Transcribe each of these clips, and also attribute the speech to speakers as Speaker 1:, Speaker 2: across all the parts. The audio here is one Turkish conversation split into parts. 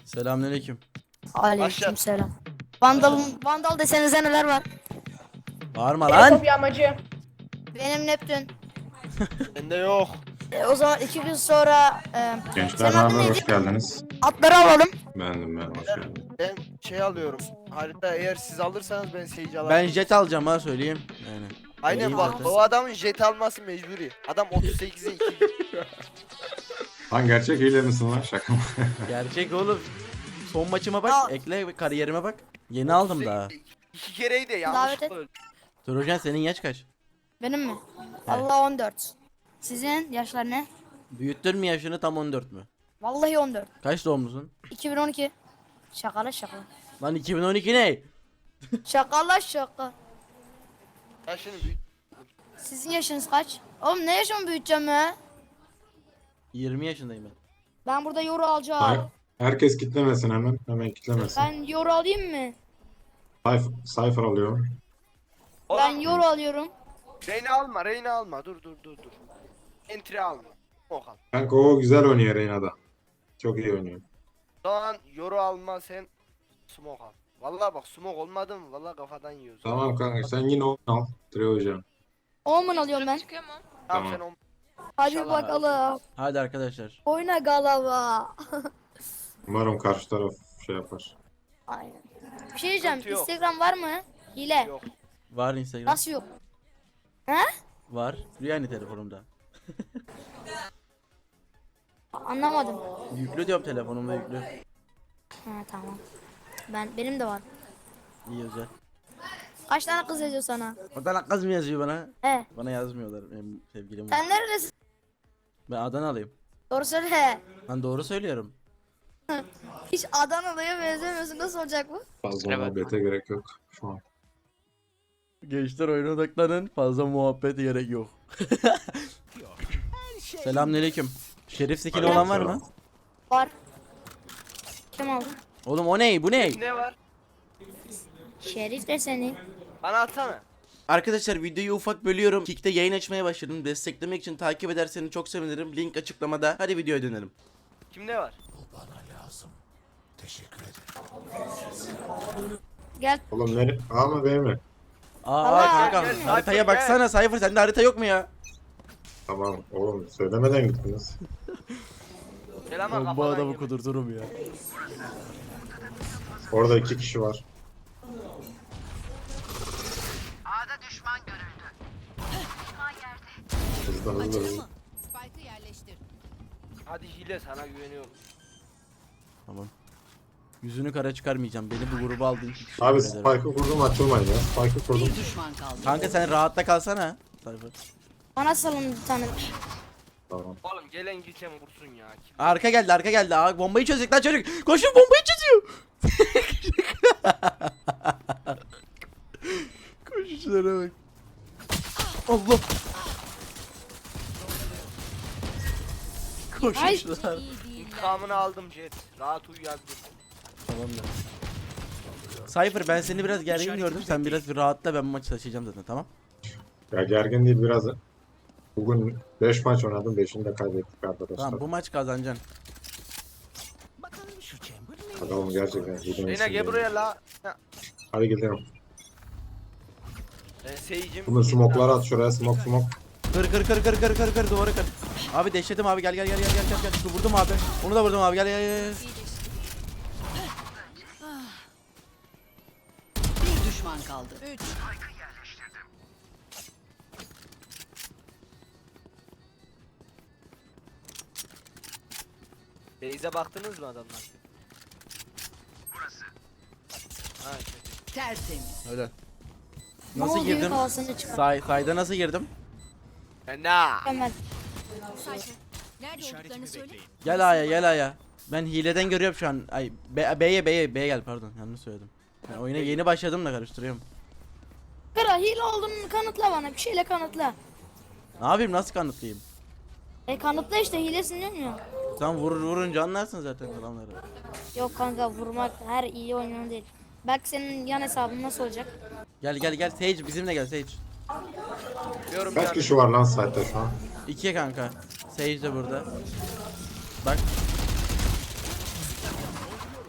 Speaker 1: Selamünaleyküm.
Speaker 2: Aleykümselam. Vandal desenize neler var?
Speaker 1: Bağırma lan.
Speaker 3: Bir amacı.
Speaker 2: Benim Neptün.
Speaker 4: Bende yok.
Speaker 2: O zaman 2 gün sonra
Speaker 5: Gençler
Speaker 2: senin
Speaker 5: ne
Speaker 2: adın
Speaker 5: haber?
Speaker 2: neydi?
Speaker 5: Hoş geldiniz.
Speaker 2: Atları alalım.
Speaker 5: Ben hoş geldin.
Speaker 4: Ben şey alıyorum. Harita eğer siz alırsanız ben seyirci alırım.
Speaker 1: Ben jet alacağım ha söyleyeyim. Yani.
Speaker 4: Aynen
Speaker 1: Vereyim
Speaker 4: bak
Speaker 1: zaten.
Speaker 4: o adamın jet alması mecburi. Adam 38'e 2.
Speaker 5: Lan gerçek hile misin lan? Şaka mı?
Speaker 1: Gerçek oğlum. Son maçıma bak,
Speaker 2: Al.
Speaker 1: ekle kariyerime bak. Yeni aldım daha.
Speaker 4: 2 kereydi
Speaker 2: Davet et.
Speaker 4: yanlışlıkla öldü.
Speaker 1: Turucan senin yaş kaç?
Speaker 2: Benim mi? Allah 14. Sizin yaşlar ne?
Speaker 1: Büyüttün mü yaşını tam 14 mü?
Speaker 2: Vallahi 14.
Speaker 1: Kaç doğumlusun?
Speaker 2: 2012. Şakala şaka.
Speaker 1: Lan 2012 ne?
Speaker 2: Şakala şaka.
Speaker 4: Ya şimdi büyük.
Speaker 2: Sizin yaşınız kaç? Oğlum ne yaşımı büyüteceğim ya?
Speaker 1: 20 yaşındayım ben.
Speaker 2: Ben burada yoru alacağım.
Speaker 5: Hayır. Herkes kitlemesin hemen. Hemen kitlemesin.
Speaker 2: Ben yoru alayım mı?
Speaker 5: Cypher alıyorum.
Speaker 2: Ben yoru alıyorum.
Speaker 4: Reyna alma. Dur. Entry alma. Okal.
Speaker 5: Kanka o güzel oynuyor Reyna'da. Çok iyi oynuyor.
Speaker 4: Doğan yoru alma sen smoke al. Vallahi bak smoke olmadı mı? Vallahi kafadan yiyoruz.
Speaker 5: Tamam kanka sen yine onu al. Trio hocam.
Speaker 2: Omen alıyorum ben.
Speaker 4: Tamam,
Speaker 5: Tamam.
Speaker 4: sen o
Speaker 2: Hadi
Speaker 4: İnşallah.
Speaker 2: bakalım.
Speaker 1: Hadi arkadaşlar.
Speaker 2: Oyna galava.
Speaker 5: Umarım karşı taraf şey yapar.
Speaker 2: Aynen. Bir şey diyeceğim.
Speaker 4: Sıkıntı yok.
Speaker 2: Instagram var mı? Hile.
Speaker 4: yok.
Speaker 1: Var Instagram.
Speaker 2: Nasıl yok? He?
Speaker 1: Var. Yani telefonumda.
Speaker 2: Anlamadım.
Speaker 1: Yüklü diyorum telefonumda yüklü.
Speaker 2: Ha tamam. Benim de var.
Speaker 1: İyi özel.
Speaker 2: Kaç tane kız yazıyor sana?
Speaker 1: O da kız mı yazıyor bana?
Speaker 2: He.
Speaker 1: Bana yazmıyorlar benim sevgilim var.
Speaker 2: Sen neredesin?
Speaker 1: Ben Adanalıyım.
Speaker 2: Doğru söyle.
Speaker 1: Ben doğru söylüyorum.
Speaker 2: Hiç Adanalı'ya benzemiyorsun. Nasıl olacak bu?
Speaker 5: Fazla muhabbete gerek yok şu an.
Speaker 1: Gençler oyuna odaklanın. Fazla muhabbet gerek yok. Selamünaleyküm. Şerif skill'i olan var mı?
Speaker 2: Var. Kim aldı?
Speaker 1: Oğlum o ne? Bu ne?
Speaker 4: Ne var?
Speaker 2: Şerif de seni.
Speaker 4: Bana atsana.
Speaker 1: Arkadaşlar videoyu ufak bölüyorum. Kick'te yayın açmaya başladım. Desteklemek için takip ederseniz çok sevinirim. Link açıklamada. Hadi videoya dönelim.
Speaker 4: Kimde var?
Speaker 2: Gel.
Speaker 5: Oğlum ne? A mı B mi?
Speaker 2: Allah,
Speaker 1: Kanka
Speaker 4: gel,
Speaker 1: haritaya
Speaker 4: Cypher,
Speaker 1: baksana Cypher, sende harita yok mu ya?
Speaker 5: Tamam oğlum söylemeden gittiniz.
Speaker 4: Selam
Speaker 1: Bu adamı kudurturum ya.
Speaker 5: Orada 2 kişi var. Hızlı.
Speaker 6: Spike'ı yerleştir.
Speaker 4: Hadi hile sana güveniyorum.
Speaker 1: Tamam. Yüzünü kara çıkarmayacağım. Beni bu gruba aldığın için teşekkür
Speaker 5: Abi
Speaker 1: ederim.
Speaker 5: Spike'ı kurdum açılmayın ya. Spike'ı kurdum.
Speaker 6: Bir düşman kaldı.
Speaker 1: Kanka sen rahatta kalsana. Cypher.
Speaker 2: Bana salın bir tane.
Speaker 5: Tamam.
Speaker 4: Oğlum gelen gideceğim vursun ya. Kim?
Speaker 1: Arka geldi, arka geldi. Aa, bombayı çözecek lan çocuk. Koşun, bombayı çözüyor. Koşuşlara bak. Allah. Koşuşlar.
Speaker 4: İntikamını aldım Jet. Rahat uyu yazdım.
Speaker 1: Tamam da. Cypher, ben seni biraz gergin gördüm. Sen biraz bir rahatla, ben maçı taşıyacağım zaten, tamam?
Speaker 5: Ya gergin değil biraz. Bugün 5 maç oynadım. 5'ini de kaybettik arkadaşlar.
Speaker 1: Tamam, bu maç kazanacaksın.
Speaker 5: Adamım gerçekten.
Speaker 4: Reyna gel buraya la. Ha,
Speaker 5: Hadi gidelim.
Speaker 4: Ben seyircim.
Speaker 5: Bunu smoke'ları at şuraya. Smoke.
Speaker 1: Kır duvarı kır. Abi deşledim abi, gel. Şu vurdum abi. Onu da vurdum abi, gel.
Speaker 6: Bir düşman kaldı. 3.
Speaker 4: Beyze baktınız mı adamlar? Ha, kötü.
Speaker 6: Tertemiz.
Speaker 1: Öyle.
Speaker 2: Ne
Speaker 1: Nasıl
Speaker 2: oldu,
Speaker 1: girdim?
Speaker 2: yük havasını çıkar.
Speaker 1: Sayda nasıl girdim?
Speaker 4: Fena.
Speaker 2: Hemen.
Speaker 6: Nerede olduklarını söyle.
Speaker 1: Gel A'ya. Ben hileden görüyorum şu an. Ay B'ye gel, pardon, yanlış söyledim. Ben oyuna yeni başladım da karıştırıyorum.
Speaker 2: Kara hile olduğunu kanıtla bana. Bir şeyle kanıtla.
Speaker 1: Ne yapayım, nasıl kanıtlayayım?
Speaker 2: Kanıtla işte, hilesin diyorum ya.
Speaker 1: Sen vurunca anlarsın zaten adamları.
Speaker 2: Yok kanka, vurmak her iyi oynayan değil. Bak senin yan hesabın nasıl olacak?
Speaker 1: Gel Sage, bizimle gel Sage.
Speaker 4: Diyorum
Speaker 5: Kaç
Speaker 4: yani.
Speaker 5: kişi var lan site'de şu an?
Speaker 1: 2'ye kanka. Sage de burada. Bak.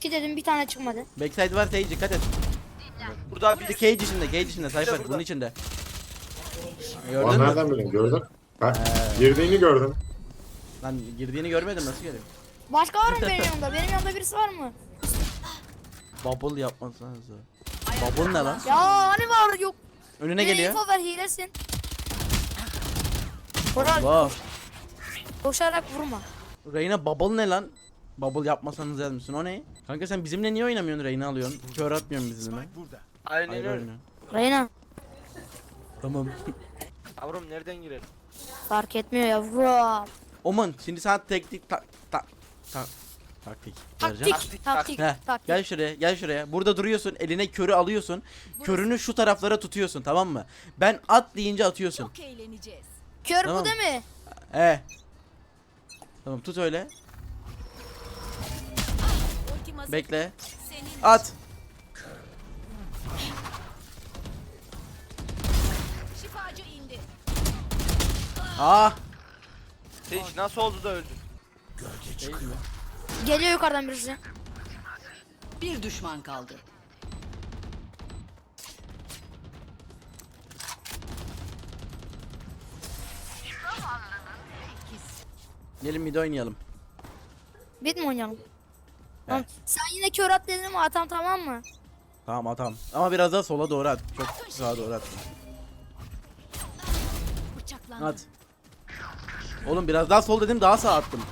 Speaker 2: İki dedim bir tane çıkmadı.
Speaker 1: Backside var Sage, dikkat et.
Speaker 4: Burada
Speaker 1: Bir
Speaker 4: bir
Speaker 1: de cage içinde, cage içinde Cypher
Speaker 4: burada.
Speaker 1: bunun içinde.
Speaker 5: Lan
Speaker 1: Gördün mü?
Speaker 5: nereden bileyim gördüm. Ben girdiğini gördüm.
Speaker 1: Lan girdiğini görmedim, nasıl geliyor?
Speaker 2: Başka var mı benim yanımda? Benim yanımda birisi var mı?
Speaker 1: Bubble yapmasanız. Bubble ne lan?
Speaker 2: Ya hani var yok.
Speaker 1: Önüne
Speaker 2: Bir
Speaker 1: geliyor.
Speaker 2: info ver hilesin. Koral
Speaker 1: Wow.
Speaker 2: koşarak vurma.
Speaker 1: Reyna bubble ne lan? Bubble yapmasanız yazmışsın, o ne? Kanka sen bizimle niye oynamıyorsun, Reyna alıyorsun? Kör atmıyorsun bizimle.
Speaker 4: aynen
Speaker 1: Hayır
Speaker 4: öyle.
Speaker 1: oyna.
Speaker 2: Reyna
Speaker 1: Tamam.
Speaker 4: Yavrum nereden girelim?
Speaker 2: fark etmiyor yavrum.
Speaker 1: Oman şimdi sana taktik taktik vereceğim.
Speaker 2: Taktik.
Speaker 1: Heh,
Speaker 2: Taktik.
Speaker 1: gel şuraya, gel şuraya. Burada duruyorsun, eline körü alıyorsun. Körünü şu taraflara tutuyorsun, tamam mı? Ben at deyince atıyorsun.
Speaker 6: Çok eğleneceğiz.
Speaker 2: Kör
Speaker 1: Tamam.
Speaker 2: bu değil mi?
Speaker 1: Tamam, tut öyle.
Speaker 6: Ultim hazır.
Speaker 1: Bekle.
Speaker 6: Senin
Speaker 1: At.
Speaker 6: şifacı indi.
Speaker 1: Ah.
Speaker 4: Sage nasıl oldu da öldün?
Speaker 1: Değil mi?
Speaker 2: Geliyor yukarıdan birisi.
Speaker 6: Bir düşman kaldı.
Speaker 1: Gelin mid oynayalım.
Speaker 2: Bit mi oynayalım? Tamam. Sen yine kör at dedin mi atam tamam mı?
Speaker 1: Tamam atam. Ama biraz daha sola doğru at. Çok sağa doğru at.
Speaker 6: Bıçaklandı.
Speaker 1: At. Oğlum biraz daha sol dedim, daha sağa attım.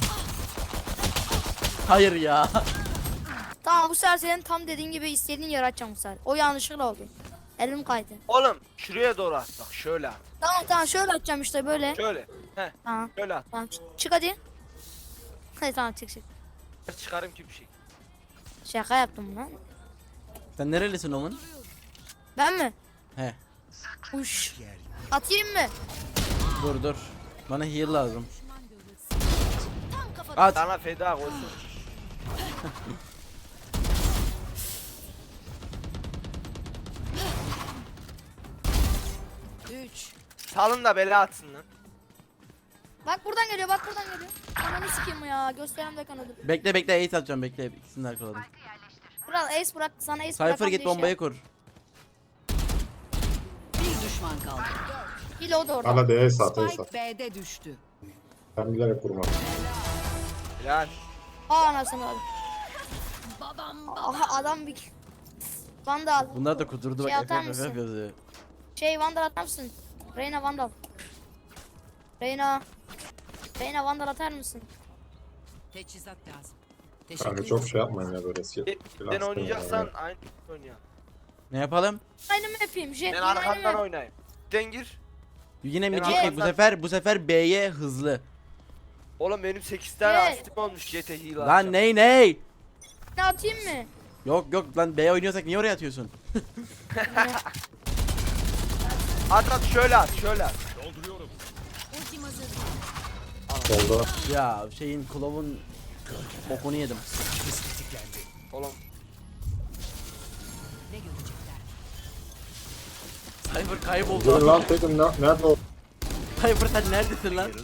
Speaker 1: Hayır ya.
Speaker 2: Tamam bu sefer senin tam dediğin gibi istediğin yere atacağım bu sefer. O yanlışlıkla oldu. Elim kaydı.
Speaker 4: Oğlum şuraya doğru at bak şöyle at.
Speaker 2: Tamam şöyle atacağım işte böyle.
Speaker 4: Şöyle. Heh
Speaker 2: Tamam.
Speaker 4: şöyle at.
Speaker 2: Tamam çık hadi. Hadi tamam çık.
Speaker 4: Çıkarım ki bir şey.
Speaker 2: Şaka yaptım lan.
Speaker 1: Sen nerelisin oğlum?
Speaker 2: Ben mi?
Speaker 1: He.
Speaker 2: Uş. Atayım mı?
Speaker 1: Dur. Bana heal lazım.
Speaker 6: Tam kafadan.
Speaker 1: At.
Speaker 4: Sana feda olsun.
Speaker 6: Üç.
Speaker 4: Salın da bela atsın lan.
Speaker 2: Bak buradan geliyor bak buradan geliyor. Ananı sikeyim ya gösterem de kanadı.
Speaker 1: Bekle ace atacağım, bekle. İkisini de arkaladım.
Speaker 2: Kral ace bırak sana ace
Speaker 1: Cypher
Speaker 2: bırakan
Speaker 1: git
Speaker 2: bir
Speaker 1: bombayı kur.
Speaker 6: Bir düşman kaldı.
Speaker 2: Şey. Hile o da orada.
Speaker 5: Bana D'ye sat, D'ye
Speaker 6: Spike
Speaker 5: sat.
Speaker 6: B'de düştü.
Speaker 5: Ben bilerek vurmadım.
Speaker 4: Yani.
Speaker 2: Aa anasını al. Aha adam bir Vandal.
Speaker 1: Bunlar da kudurdu
Speaker 2: Şey
Speaker 1: bak,
Speaker 2: atar
Speaker 1: FF
Speaker 2: mısın?
Speaker 1: yazıyor.
Speaker 2: Şey Vandal atar mısın? Reyna Vandal. Reyna Vandal atar mısın?
Speaker 6: Teçhizat lazım.
Speaker 5: Kanka çok şey yapmayın ya böyle.
Speaker 4: Sen oynayacaksan aynı oyna.
Speaker 1: Ne yapalım?
Speaker 2: Aynı mı yapayım? Jet
Speaker 4: Ben
Speaker 2: yine aynı
Speaker 4: arkandan
Speaker 2: mı?
Speaker 4: oynayayım. Sen gir.
Speaker 1: Yine mid
Speaker 4: Ben
Speaker 1: gittik bu sefer B'ye hızlı.
Speaker 4: Oğlum benim 8 tane
Speaker 2: Evet.
Speaker 4: asistim olmuş GT heal
Speaker 1: Lan ney?
Speaker 2: Ne atayım mı?
Speaker 1: Yok lan, B oynuyorsak niye oraya atıyorsun?
Speaker 4: At şöyle at şöyle at.
Speaker 6: Ultim hazır.
Speaker 5: Solda.
Speaker 1: Ya şeyin Klov'un bokunu yedim.
Speaker 4: Oğlum
Speaker 6: Ne görecekler?
Speaker 1: Cypher
Speaker 5: Dur
Speaker 1: kayboldu.
Speaker 5: lan dedim nerede o?
Speaker 1: Cypher sen neredesin lan?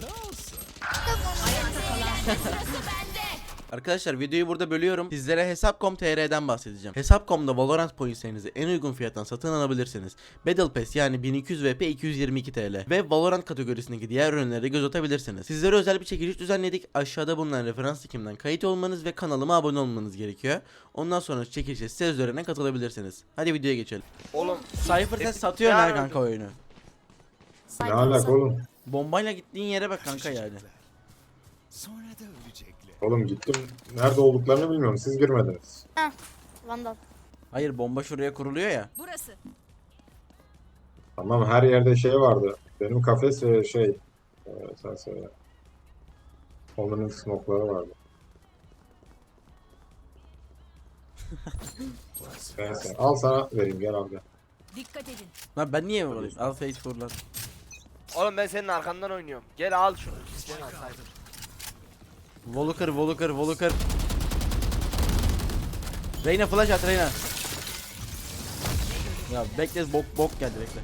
Speaker 1: Arkadaşlar videoyu burada bölüyorum. Sizlere Hesap.com.tr'den bahsedeceğim. Hesap.com'da Valorant pointlerinizi en uygun fiyattan satın alabilirsiniz. Battle Pass yani 1200 VP 222 TL ve Valorant kategorisindeki diğer ürünlere göz atabilirsiniz. Sizlere özel bir çekiliş düzenledik. Aşağıda bulunan referans linkimden kayıt olmanız ve kanalıma abone olmanız gerekiyor. Ondan sonra çekilişe size üzerinden katılabilirsiniz. Hadi videoya geçelim.
Speaker 4: oğlum
Speaker 1: Cypher sen satıyorsun ha kanka oyunu.
Speaker 5: Ne alaka oğlum?
Speaker 1: Bombayla gittiğin yere bak kanka yani.
Speaker 3: Sonra da ölecekler.
Speaker 5: Oğlum gittim. Nerede olduklarını bilmiyorum. Siz girmediniz.
Speaker 2: Vandal.
Speaker 1: Hayır, bomba şuraya kuruluyor ya.
Speaker 6: Burası.
Speaker 5: Tamam her yerde şey vardı. Benim kafes ve şey. Sen söyle. Onların smoke'ları vardı. Neyse al sana vereyim gel abi.
Speaker 6: Dikkat edin.
Speaker 1: Lan ben niye buradayım? Al face kur lan.
Speaker 4: oğlum ben senin arkandan oynuyorum. Gel al şunu. Sen al Cypher.
Speaker 1: Voluker. Reyna flash at Reyna. Ya bekle, bok geldi, bekle.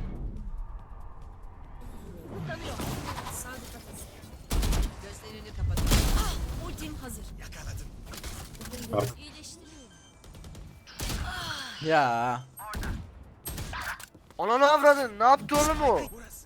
Speaker 6: Gözlerini kapatın. Ultim hazır.
Speaker 3: Yakaladım.
Speaker 5: Ar-
Speaker 6: İyileştiriyorum.
Speaker 1: Ya.
Speaker 4: Ananı avradın. Ne yaptı oğlum o?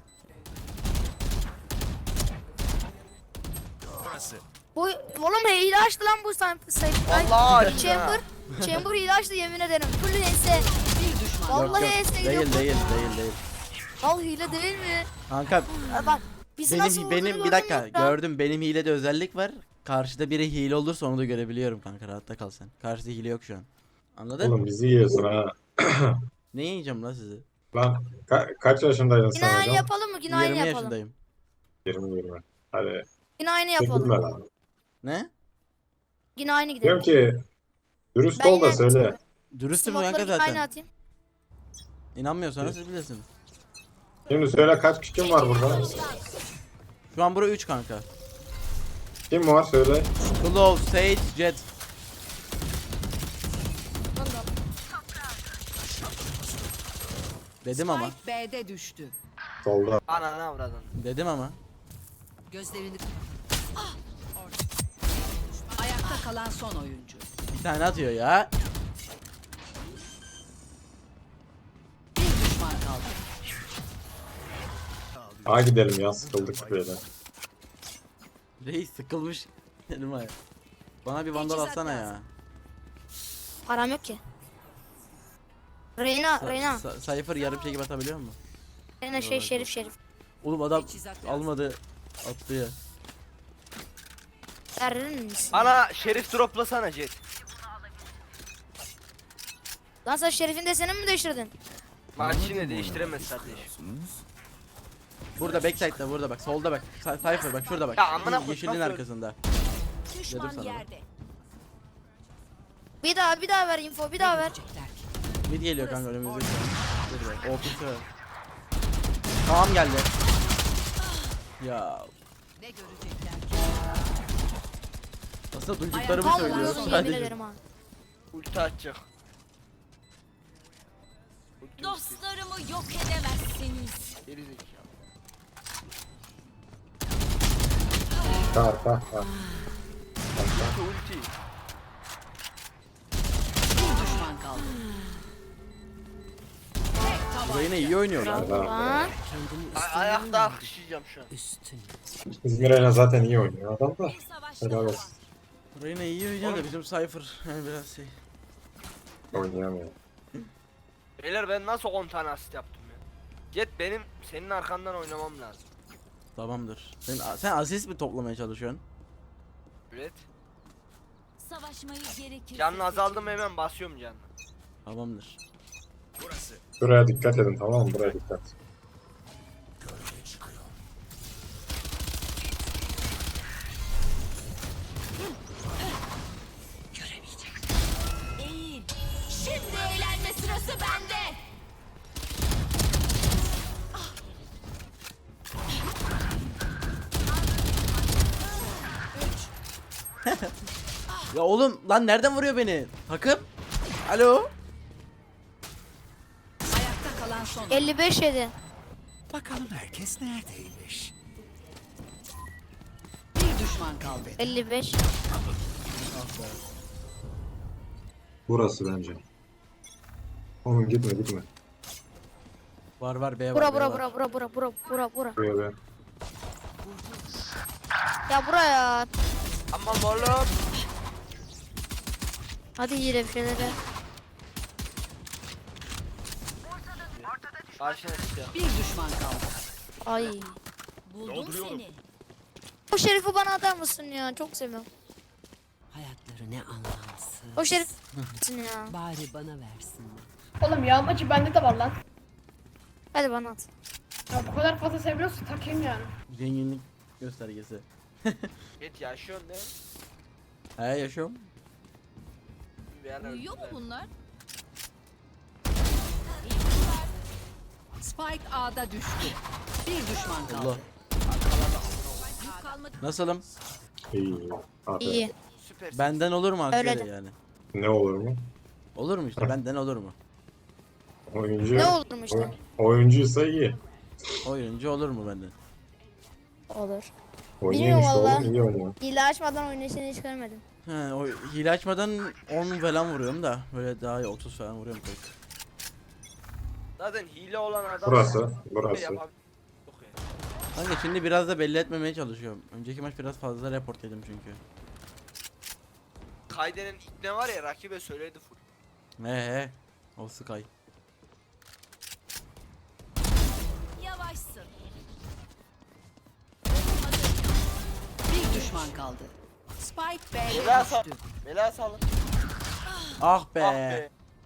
Speaker 3: Burası.
Speaker 2: Bu oğlum hile açtı lan bu sayfa.
Speaker 4: Vallahi açtı
Speaker 2: Chamber hile açtı yemin ederim. Full HS.
Speaker 6: Bir düşman.
Speaker 2: Vallahi
Speaker 1: Yok,
Speaker 2: HS
Speaker 1: değil
Speaker 2: gidiyor.
Speaker 1: değil.
Speaker 2: Al hile değil mi?
Speaker 1: Kanka
Speaker 2: Bak bizi nasıl
Speaker 1: benim
Speaker 2: vurduğunu
Speaker 1: bir
Speaker 2: gördün
Speaker 1: dakika
Speaker 2: mü ya?
Speaker 1: gördüm, benim hilede özellik var. Karşıda biri hile olursa onu da görebiliyorum kanka, rahatta kal sen. Karşıda hile yok şu an. Anladın?
Speaker 5: Oğlum bizi yiyorsun ha.
Speaker 1: Ne yiyeceğim lan sizi?
Speaker 5: Lan kaç yaşındaydın
Speaker 2: Yine
Speaker 5: sen
Speaker 2: aynı
Speaker 5: hocam?
Speaker 2: yapalım mı? Yine aynı
Speaker 1: 20
Speaker 2: yapalım.
Speaker 1: yaşındayım.
Speaker 5: 20. Hadi
Speaker 2: Yine aynı
Speaker 5: çekilme
Speaker 2: yapalım.
Speaker 5: lan.
Speaker 1: Ne?
Speaker 2: Yine aynı gidelim.
Speaker 5: Diyorum ki dürüst
Speaker 2: Ben
Speaker 5: ol da
Speaker 2: yine-
Speaker 5: söyle.
Speaker 1: Dürüstüm kanka
Speaker 2: Smoke'ları yine aynı
Speaker 1: zaten.
Speaker 2: atayım.
Speaker 1: İnanmıyorsanız siz bilirsiniz.
Speaker 5: Şimdi söyle kaç kişi var burada?
Speaker 1: Şu an bura 3 kanka.
Speaker 5: Kim var söyle.
Speaker 1: Claw, Sage, Jet. Dedim ama.
Speaker 6: Spike B'de düştü.
Speaker 5: Solda.
Speaker 4: Ananı avradın.
Speaker 1: Dedim ama.
Speaker 6: Gözlerini Ah! Orada. Ayakta kalan son oyuncu.
Speaker 1: Bir tane atıyor ya.
Speaker 6: Bir düşman kaldı.
Speaker 5: Ha gidelim ya, sıkıldık böyle.
Speaker 1: Reis sıkılmış. Dedim ha. Bana bir vandal
Speaker 6: Teçhizat
Speaker 1: atsana ya.
Speaker 6: lazım.
Speaker 2: Param yok ki. Reyna.
Speaker 1: Cypher yarım şey gibi atabiliyor mu?
Speaker 2: Reyna Şerif.
Speaker 1: Oğlum adam
Speaker 6: Teçhizat lazım.
Speaker 1: almadı. Attı ya.
Speaker 2: Verir misin?
Speaker 4: Ana şerif droplasana Jet.
Speaker 2: Lan sen Şerif'in desenini mi değiştirdin?
Speaker 4: Maç yine değiştiremez kardeşim.
Speaker 1: Burada backside'da, burada bak, solda bak. Cypher bak, şurada bak.
Speaker 4: Ya amına koyayım,
Speaker 1: Yeşilin
Speaker 4: nasıl-
Speaker 1: arkasında.
Speaker 6: Düşman
Speaker 1: sana.
Speaker 6: yerde.
Speaker 2: Bir daha ver info bir daha ver.
Speaker 6: Görecekler ki.
Speaker 1: Mid geliyor kanka önümüzde. Dur bak, OP'si var. Tamam geldi. Ya
Speaker 6: Ne görecekler ki?
Speaker 1: aslında duyduklarımı
Speaker 6: Ayakkabı
Speaker 1: söylüyorum
Speaker 2: Kalmasın yemin
Speaker 1: sadece.
Speaker 2: ederim ha.
Speaker 4: Ulti atacak. Ulti
Speaker 6: Dostlarımı yok edemezsiniz.
Speaker 4: geri zekalı.
Speaker 5: Ha.
Speaker 4: Ulti.
Speaker 6: Bir düşman kaldı.
Speaker 1: Burayı yine iyi oynuyorlar.
Speaker 2: Lan.
Speaker 4: Ayakta alkışlayacağım şu an.
Speaker 5: İzmir'e zaten iyi oynuyor adam da. Helal olsun.
Speaker 1: Burayı yine iyi oynuyor da bizim Cypher yani biraz şey.
Speaker 5: Oynayamıyor.
Speaker 4: Beyler ben nasıl 10 tane asist yaptım ya? Jet benim senin arkandan oynamam lazım.
Speaker 1: Tamamdır. Sen asist mi toplamaya çalışıyorsun?
Speaker 4: Evet.
Speaker 6: Savaşmayı gerekir.
Speaker 4: Canın azaldı mı hemen basıyorum canını.
Speaker 1: Tamamdır.
Speaker 3: Burası.
Speaker 5: Buraya dikkat edin, tamam mı? Buraya dikkat.
Speaker 6: Eğil. Şimdi eğlenme sırası bende.
Speaker 1: Ya oğlum lan nereden vuruyor beni? Takım? Alo?
Speaker 6: Ayakta kalan son.
Speaker 2: 55 yedi.
Speaker 3: Bakalım herkes neredeymiş.
Speaker 6: Bir düşman kaldı.
Speaker 2: 55.
Speaker 5: Burası bence. Oğlum gitme.
Speaker 1: Var B var.
Speaker 2: Bura
Speaker 1: B var.
Speaker 2: bura.
Speaker 5: Buraya be.
Speaker 2: Ya buraya.
Speaker 4: Aman oğlum.
Speaker 2: Hadi yine bir şeyler.
Speaker 4: Karşına çıkıyor.
Speaker 6: Bir düşman kaldı.
Speaker 2: Ay.
Speaker 6: Buldum seni.
Speaker 2: O Şerif'i bana atar mısın ya? Çok seviyorum.
Speaker 6: Hayatları ne anlamsız.
Speaker 2: O Şerif ya.
Speaker 6: Bari bana versinler.
Speaker 7: Oğlum yağmacı bende de var lan.
Speaker 2: Hadi bana at.
Speaker 7: Ya bu kadar fazla seviyorsun takayım yani.
Speaker 1: Zenginlik göstergesi.
Speaker 4: Jet yaşıyorsun değil mi?
Speaker 1: He yaşıyorum.
Speaker 4: Bir yerler
Speaker 6: Uyuyor mu
Speaker 4: güzel.
Speaker 6: bunlar? Spike A'da düştü. Bir düşman kaldı.
Speaker 1: Allah.
Speaker 6: Yük kalmadı.
Speaker 1: Nasılım?
Speaker 5: İyi. Aferin.
Speaker 2: İyi.
Speaker 4: Süpersin.
Speaker 1: Benden olur mu
Speaker 2: Öyle
Speaker 1: Hakkari
Speaker 2: de.
Speaker 1: yani?
Speaker 5: Ne olur mu?
Speaker 1: Olur mu işte benden olur mu?
Speaker 5: Oyuncu.
Speaker 2: Ne olur mu işte?
Speaker 5: Oyuncuysa iyi.
Speaker 1: Oyuncu olur mu benden?
Speaker 2: Olur.
Speaker 5: Oynuyor
Speaker 2: Bilmiyorum
Speaker 5: işte
Speaker 2: valla.
Speaker 5: oğlum, iyi oynuyor.
Speaker 2: Hile açmadan oynayışını hiç görmedim.
Speaker 1: He, o hile açmadan 10 falan vuruyorum da böyle daha iyi 30 falan vuruyorum pek.
Speaker 4: Zaten hile olan adam
Speaker 5: Burası, burası.
Speaker 4: yapabilir. Yok yani.
Speaker 1: Kanka şimdi biraz da belli etmemeye çalışıyorum. Önceki maç biraz fazla report yedim çünkü.
Speaker 4: Kayde'nin ne var ya rakibe söyledi full.
Speaker 1: He. O Sky.
Speaker 6: Yavaşsın. Bir düşman kaldı. Spike B'de
Speaker 4: Bela sal.
Speaker 6: düştü.
Speaker 4: Bela salın.
Speaker 1: Ah be.
Speaker 4: Ah be.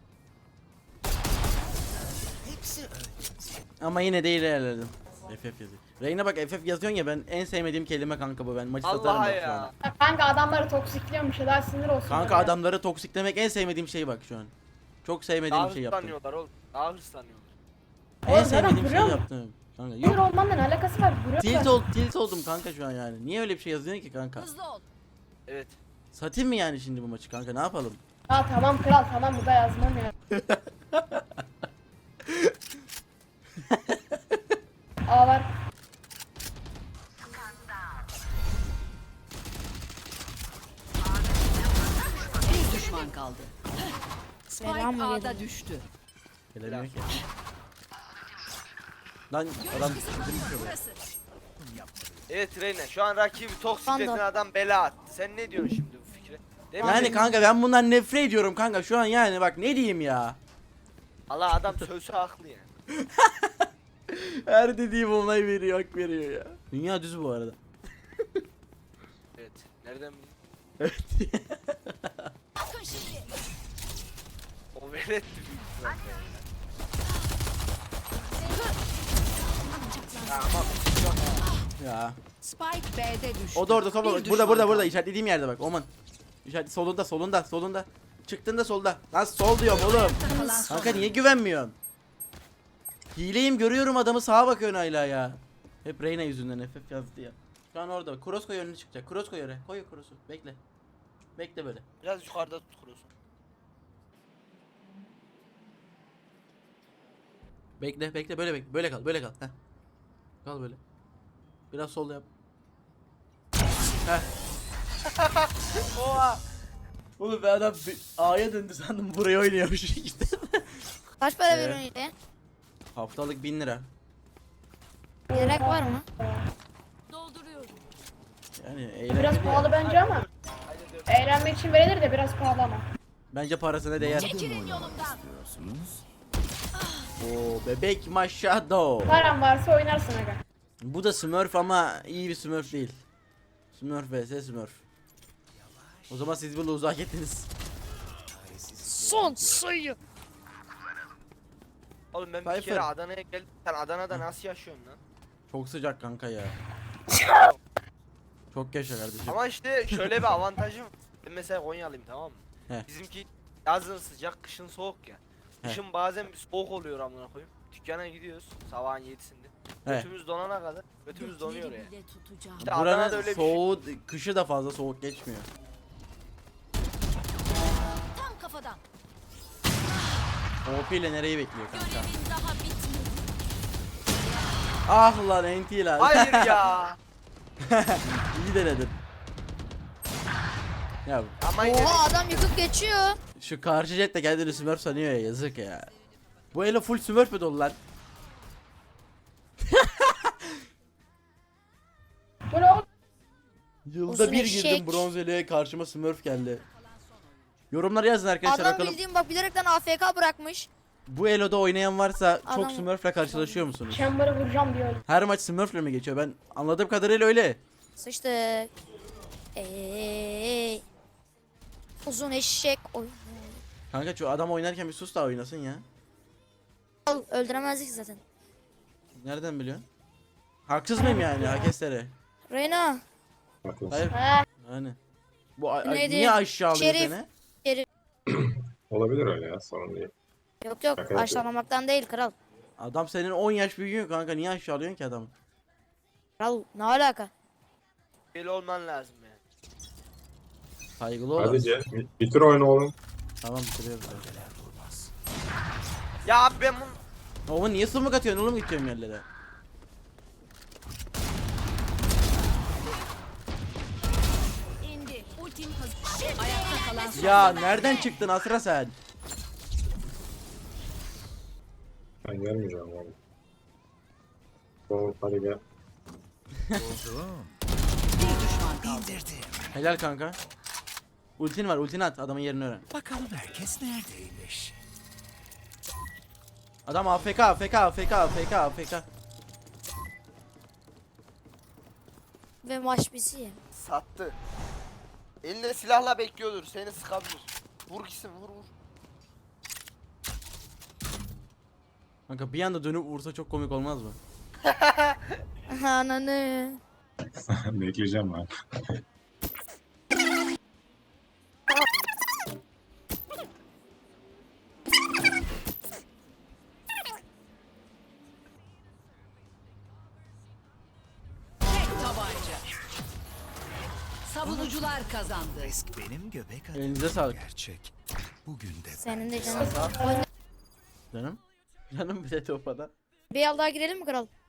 Speaker 1: Ama yine de ilerledim. FF yazıyor. Reyna bak FF yazıyorsun ya, ben en sevmediğim kelime kanka bu, ben maçı satarım
Speaker 4: Allah
Speaker 1: bak şu
Speaker 4: ya.
Speaker 1: an.
Speaker 7: Kanka adamları toksikliyormuş ya daha sinir olsun.
Speaker 1: Kanka
Speaker 7: bana.
Speaker 1: adamları toksiklemek en sevmediğim şey bak şu an. Çok sevmediğim
Speaker 4: Daha
Speaker 1: bir şey yaptım.
Speaker 4: hırslanıyorlar oğlum. Daha hırslanıyorlar.
Speaker 1: En
Speaker 7: Oğlum zaten
Speaker 1: sevmediğim şey
Speaker 7: vuruyor mu?
Speaker 1: yaptım. Kanka
Speaker 7: Sinir
Speaker 1: yok.
Speaker 7: olmanla ne alakası var? Vuruyor.
Speaker 1: Tilt oldum kanka şu an yani. Niye öyle bir şey yazıyorsun ki kanka?
Speaker 6: Hızlı ol.
Speaker 4: Evet.
Speaker 1: Satayım mı yani şimdi bu maçı kanka, ne yapalım?
Speaker 7: Ya tamam kral tamam bu da yazmam ya. A var.
Speaker 6: Bir düşman kaldı. Spike
Speaker 2: Selam mı
Speaker 6: A'da
Speaker 2: geldi?
Speaker 6: düştü.
Speaker 1: Gelemiyor ki. Lan adam
Speaker 6: Burası.
Speaker 4: Evet Reyna şu an rakibi toksikletin
Speaker 2: Vandal.
Speaker 4: adam bela attı. Sen ne diyorsun şimdi bu fikre? Değil mi?
Speaker 1: yani kanka ben bundan nefret ediyorum kanka şu an, yani bak ne diyeyim ya.
Speaker 4: Allah adam sözü haklı yani.
Speaker 1: Her dediğim olay veriyor, hak veriyor ya. Dünya düz bu arada.
Speaker 4: Evet. Nereden bileyim?
Speaker 1: Evet.
Speaker 4: O velet büyük ihtimalle. Ya ama yok ya.
Speaker 1: Ya.
Speaker 6: Spike B'de düştü.
Speaker 1: O da orada
Speaker 6: Bir
Speaker 1: solda.
Speaker 6: düşman
Speaker 1: Burada
Speaker 6: kaldı.
Speaker 1: işaretlediğim yerde bak Oman. İşaret solunda. Çıktığında solda. Lan sol diyorum oğlum.
Speaker 6: Kalan son.
Speaker 1: Kanka niye güvenmiyorsun? Hileyim, görüyorum adamı, sağa bakıyorsun hala ya. Hep Reyna yüzünden FF yazdı ya. Şu an orada. Cross koy, önüne çıkacak. Cross koy oraya. Koy cross'u. Bekle. Bekle böyle.
Speaker 4: Biraz yukarıda tut kurusun.
Speaker 1: Bekle böyle bekle. Böyle kal. Heh. Kal böyle. Biraz sol yap. Heh.
Speaker 4: Oha.
Speaker 1: Oğlum ben adam A'ya döndü sandım, buraya oynuyormuş işte.
Speaker 2: Kaç para
Speaker 1: Ee?
Speaker 2: veriyorsun hile?
Speaker 1: Haftalık 1000 lira.
Speaker 2: Gerek var mı?
Speaker 6: Dolduruyorum.
Speaker 1: Yani
Speaker 7: Biraz
Speaker 1: eğlenceli.
Speaker 7: pahalı bence ama. Eğlenmek için verilir de biraz pahalı ama.
Speaker 1: Bence parasına değer.
Speaker 6: Çekilin yolumdan.
Speaker 1: Oo bebek maşado.
Speaker 7: Paran varsa oynarsın aga.
Speaker 1: Bu da Smurf ama iyi bir Smurf değil. Smurf vs Smurf. O zaman siz bunu uzak ettiniz.
Speaker 2: Son sayı.
Speaker 4: Oğlum ben bir
Speaker 1: Cypher.
Speaker 4: kere Adana'ya geldim. Sen Adana'da nasıl yaşıyorsun lan?
Speaker 1: Çok sıcak kanka ya. Çok yaşa kardeşim.
Speaker 4: Ama işte şöyle bir avantajım. Ben mesela Konyalıyım tamam mı?
Speaker 1: He.
Speaker 4: Bizimki yazın sıcak, kışın soğuk ya.
Speaker 1: He.
Speaker 4: Kışın bazen bir soğuk oluyor amına koyayım. Dükkana gidiyoruz sabahın 7'sinde.
Speaker 1: He.
Speaker 4: Götümüz donana kadar. Götümüz donuyor ya.
Speaker 6: Bile tutacağım.
Speaker 4: İşte Adana'da
Speaker 1: Buranın
Speaker 4: öyle bir şey.
Speaker 1: soğuğu, kışı da fazla soğuk geçmiyor.
Speaker 6: Tam kafadan.
Speaker 1: OP ile nereyi bekliyor kanka?
Speaker 6: Görevin daha bitmedi.
Speaker 1: Ah lan NT lan.
Speaker 4: Hayır ya.
Speaker 1: İyi denedin. Ya
Speaker 4: Ama yine de
Speaker 2: Oha adam yıkıp geçiyor.
Speaker 1: şu karşı jet de kendini Smurf sanıyor ya, yazık ya. Bu elo full Smurf mü dolu lan?
Speaker 7: Bu ne oğlum?
Speaker 1: Yılda
Speaker 2: Uzun
Speaker 1: bir
Speaker 2: eşek.
Speaker 1: girdim bronz elo'ya, karşıma Smurf geldi. Yorumlara yazın arkadaşlar
Speaker 2: Adam
Speaker 1: bakalım.
Speaker 2: bildiğin bak bilerekten AFK bırakmış.
Speaker 1: Bu elo'da oynayan varsa çok
Speaker 2: Adam-
Speaker 1: Smurf'le karşılaşıyor musunuz?
Speaker 7: Chamber'ı vuracağım diyor.
Speaker 1: Her maç Smurf'le mi geçiyor? Ben anladığım kadarıyla öyle.
Speaker 2: Sıçtık. Ey. Uzun eşek oyunu.
Speaker 1: Kanka şu adam oynarken bir sus da oynasın ya.
Speaker 2: Öldüremezdik zaten.
Speaker 1: Nereden biliyorsun? Haksız mıyım yani Hakestere?
Speaker 2: Reyna.
Speaker 5: Haklısın.
Speaker 1: Hayır.
Speaker 7: He.
Speaker 1: Yani. Bu
Speaker 2: Neydi?
Speaker 1: niye aşağı alıyor
Speaker 2: Şerif.
Speaker 1: seni?
Speaker 5: Olabilir öyle ya, sorun değil.
Speaker 2: Yok yok
Speaker 5: Şaka
Speaker 2: aşağılamaktan değil kral.
Speaker 1: Adam senin 10 yaş büyüyor kanka, niye aşağı alıyorsun ki adamı?
Speaker 2: Kral ne alaka?
Speaker 4: böyle olman lazım yani.
Speaker 1: Saygılı ol.
Speaker 5: Hadi Cem, bitir oyunu oğlum.
Speaker 1: Tamam bitiriyoruz.
Speaker 4: Ya abi ben bunu
Speaker 1: Oğlum niye smoke atıyorsun oğlum, gideceğim yerlere?
Speaker 6: Ultim hazır. Ayakta kalan son.
Speaker 1: Ya nereden çıktın Asra sen?
Speaker 5: Ben gelmeyeceğim oğlum. Doğru hadi gel.
Speaker 3: Buldum.
Speaker 6: Bir düşman kaldı.
Speaker 3: İndirdim.
Speaker 1: Helal kanka. Ultin var, ultini at, adamın yerini öğren.
Speaker 3: Bakalım herkes neredeymiş?
Speaker 1: Adam AFK, AFK, AFK, AFK, AFK.
Speaker 2: Ve maç bizi.
Speaker 4: Sattı. Elinde silahla bekliyordur. Seni sıkabilir. Vur gitsin vur vur.
Speaker 1: Kanka bir anda dönüp vursa çok komik olmaz mı?
Speaker 2: Ananı.
Speaker 5: Bekleyeceğim ben.
Speaker 6: Tek tabanca. Savunucular kazandı.
Speaker 3: Risk benim göbek adım.
Speaker 1: Elinize sağlık.
Speaker 3: Gerçek. Bugün de
Speaker 2: Senin de
Speaker 3: ben.
Speaker 2: canın. Oyna.
Speaker 1: Canım. Canım bir de topada.
Speaker 2: Bir al daha girelim mi kral?